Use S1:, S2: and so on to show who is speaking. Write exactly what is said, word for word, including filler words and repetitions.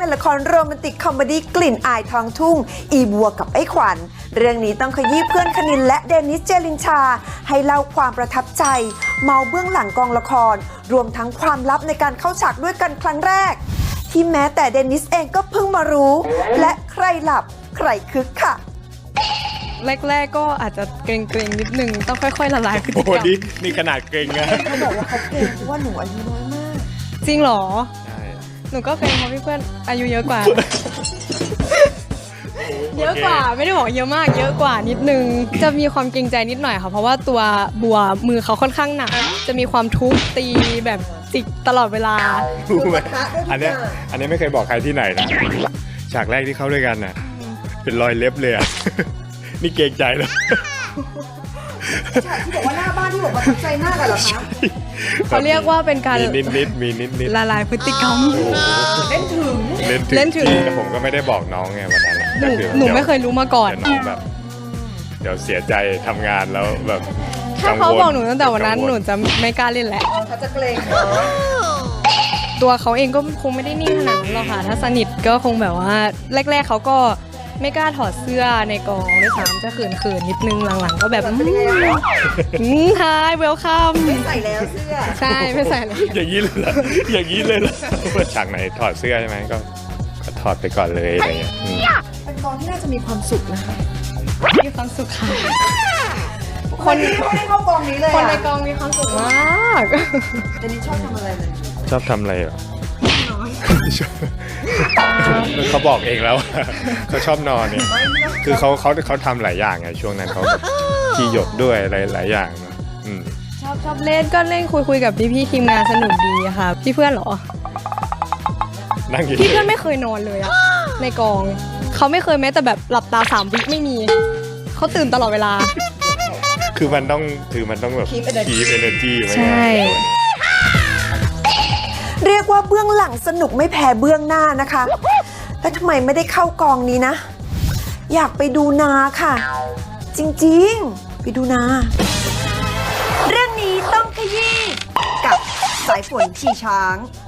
S1: ในละครโรแมนติกคอมเมดี้กลิ่นอายทองทุ่งอีบัวกับไอ้ขวัญเรื่องนี้ต้องขยี้เพื่อนคณินและเดนิสเจลินชาให้เล่าความประทับใจเมาเบื้องหลังกองละครรวมทั้งความลับในการเข้าฉากด้วยกันครั้งแรกที่แม้แต่เดนิสเองก็เพิ่งมารู้และใครหลับใครคึกค่ะ
S2: แรกๆก็อาจจะเกรงๆนิดนึงต้องค่อยๆละลายพฤติกรรม
S3: โอ้นี่นี่ขนาดเกรงนะ
S1: เขาบอกว่าเขาเก่งเพราะว่าหนูอายุน้อยมาก
S2: จริงเหรอ
S3: ใช่
S2: หนูก็เกรงเพราะพี่เพื่อนอายุเยอะกว่า เยอะกว่าไม่ได้บอกเยอะมากเยอะกว่านิดนึงจะมีความเกรงใจนิดหน่อยค่ะเพราะว่าตัวบัวมือเขาค่อนข้างหนักจะมีความทุบตีแบบจิกตลอดเวลา
S3: รู้ไหมอันเนี้ยอันนี้ไม่เคยบอกใครที่ไหนนะฉากแรกที่เข้าด้วยกันน่ะเป็นรอยเล็บเลยอ่ะ นี่เกรงใจเลย
S1: ฉากที่บอกว่าหน้าบ้านที่บอกว่าประทับใจมากกันเหรอคะ
S2: เขาเรียกว่าเป็นการ
S3: มีนิดนิดมีนิดนิด
S2: ละลายพฤติกรรม
S1: เล่นถึง
S3: เล่นถึง
S2: เล่นถึง
S3: จริแต่ผมก็ไม่ได้บอกน้องไงวันนั้น
S2: หนูหนูไม่เคยรู้มาก่อน
S3: เดี๋ยวน้องแบบ เดี๋ยวเสียใจทำงานแล้วแบบ
S2: ถ้าเขาบอกหนูตั้งแต่วันนั้นหนูจะไม่กล้าเล่นแหละ
S1: เขาจะเกรงเนาะ
S2: ตัวเขาเองก็คงไม่ได้นิ่งขนาดนั้นหรอกค่ะถ้าสนิทก็คงแบบว่าแรกๆเขาก็ไม่กล้าถอดเสื้อในกองด้วยซ้ำจะเขินๆนิดนึงหลังๆก็แบบอืมฮายเวลคัม
S1: ไม่ใส่แล้วเสื้อ
S2: ใช่ไม่ใส่เลย
S3: อย่างนี้เลยเหรออย่างนี้เลยเหรอฉากไหนถอดเสื้อใช่ไหมก็ก็ถอดไปก่อนเลยอะไรเงี้ยอืม
S1: เป็นกองที่น่าจะมีความสุขนะคะ
S2: มีความสุขค่ะ
S1: คนไม่ได้เข้ากองนี้เลย
S2: คนใน
S1: อะ
S2: กองมีความสุขมาก
S1: เดนิสชอบทำอะไรเลย
S3: ชอบทำอะไรเหรอเขาบอกเองแล้ว เขาชอบนอนเนี่ย คือเขาเขาเขาทำหลายอย่างไงช่วงนั้นเขาแบบที่หยดด้วยอะไรหลายอย่างเนอะอืม
S2: ชอบชอบเล่นก็เล่นคุยคุยกับพี่พี่ๆทีมงานสนุกดีอะค่ะพี่เพื่อนเหรอ
S3: นั่งอยู่
S2: พี่เพื่อนไม่เคยนอนเลยอะในกองเขาไม่เคยแม้แต่แบบหลับตาสามวิไม่มีเขาตื่นตลอดเวลา
S3: คือมันต้องคือมันต้องแบบคีฟเอเนอร์จีไว้
S2: ใช่
S1: เรียกว่าเบื้องหลังสนุกไม่แพ้เบื้องหน้านะคะแล้วทำไมไม่ได้เข้ากองนี้นะ อยากไปดูนาค่ะ จริงๆ ไปดูนา เรื่องนี้ต้องขยี้กับสายฝนขี่ช้าง